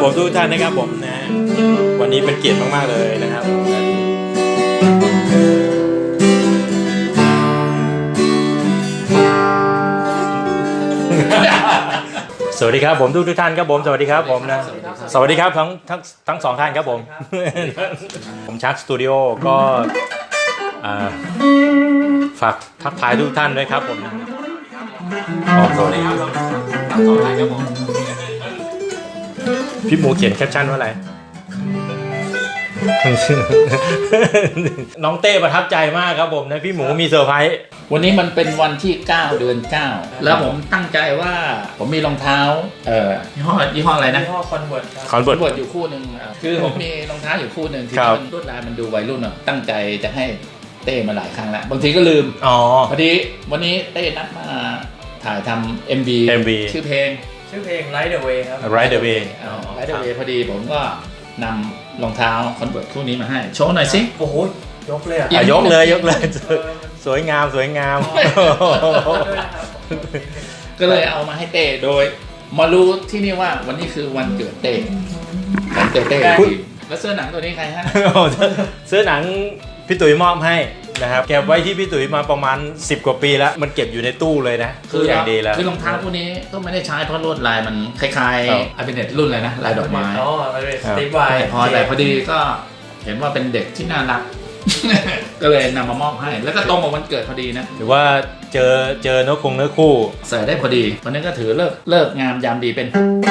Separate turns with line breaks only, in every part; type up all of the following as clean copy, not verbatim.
ผมทุกท่านนะครับผมนะวันนี้เป็นเกียรติมากๆเลยนะครับสวัสดีครับผมทุกท่านครับผมสวัสดีครับผมนะสวัสดีครับทั้งสองท่านครับผมผมชักสตูดิโอก็ฝากทักทายทุกท่านด้วยครับผมสวัสดีครับทั้งสองท่านครับผมพี่หมูเขียนแคปชั่นว่าอะไร น้องเต้ประทับใจมากครับผมนะพี่หมูมีเซอร์ไพรส์
วันนี้มันเป็นวันที่9 เดือน 9แล้วผมตั้งใจว่าผมมีรองเท้ายี่ห้ออะไรนะ
ยี่ห้อคอนเวิร์ตครับ
คอนเวิร์ต
อยู่คู่หนึ่งคือผมมีรองเท้าอยู่คู่หนึ่งที่มันลวดลายมันดูวัยรุ่นอ่ะตั้งใจจะให้เต้มาหลายครั้งแล้วบางทีก็ลืมพอดีวันนี้เต้นัดมาถ่ายทำ MV ชื่อเพลง
Ride the Way ครับ
Ride the Way
Ride the Way พอดีผมก็นำรองเท้าคอนเวิร์ตคู่นี้มาให้โชว์หน่อยสิ
โอ้โหยกเลย
ยกเลยสวยงาม
ก็เลยเอามาให้เต้โดยมารู้ที่นี่ว่าวันนี้คือวันเกิดเต้แล้วเสื้อหนังตัวนี้ใครให้
เสื้อหนังพี่ตุ๋ยมอบให้นะครับเก็บไว้ที่พี่ตุ๋ยมาประมาณ10 กว่าปีแล้วมันเก็บอยู่ในตู้เลยนะคืออย่างดีแล้ว
คือรองเท้าพวกนี้ก็ไม่ได้ใช้เพราะลวดลายมันคล้ายๆอาร์เบเนตรุ่นอะไรนะลายดอกไม้
สติ๊กไว
พอดีก็เห็นว่าเป็นเด็กที่น่ารักก็เลยนำมามอบให้แล้วก็ตรงกับวันเกิดพอดีนะ
หรือว่าเจอเนื้อคู่
ใส่ได้พอดีวันนี้ก็ถือเลิกงามยามดีเป็น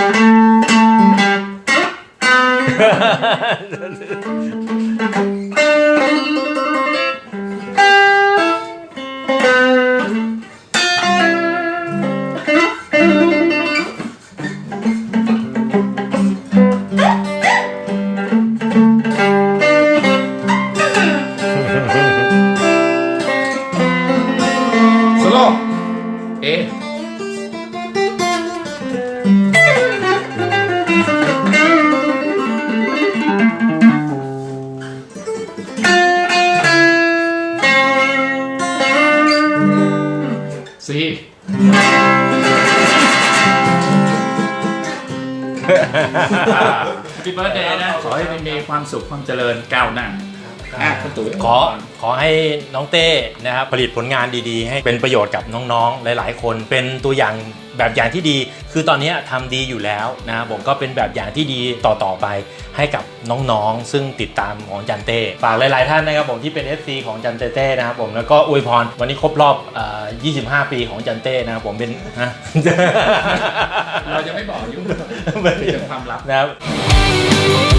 พี่เบิร์ดเดย์นะขอให้มีความสุขความเจริญก้าวหน้า
ขอให้น้องเต้นะครับผลิตผลงานดีๆให้เป็นประโยชน์กับน้องๆหลายๆคนเป็นตัวอย่างแบบอย่างที่ดีคือตอนนี้ทำดีอยู่แล้วนะผมก็เป็นแบบอย่างที่ดีต่อไปให้กับน้องๆซึ่งติดตามของจันเต้ฝากหลายๆท่านนะครับผมที่เป็น FC ของจันเต้นะครับผมแล้วก็อวยพรวันนี้ครบรอบ25 ปีของจันเต้นะครับผมเป็น
เราจะไม่บอกยุ่งเป็นความลับ
นะครับ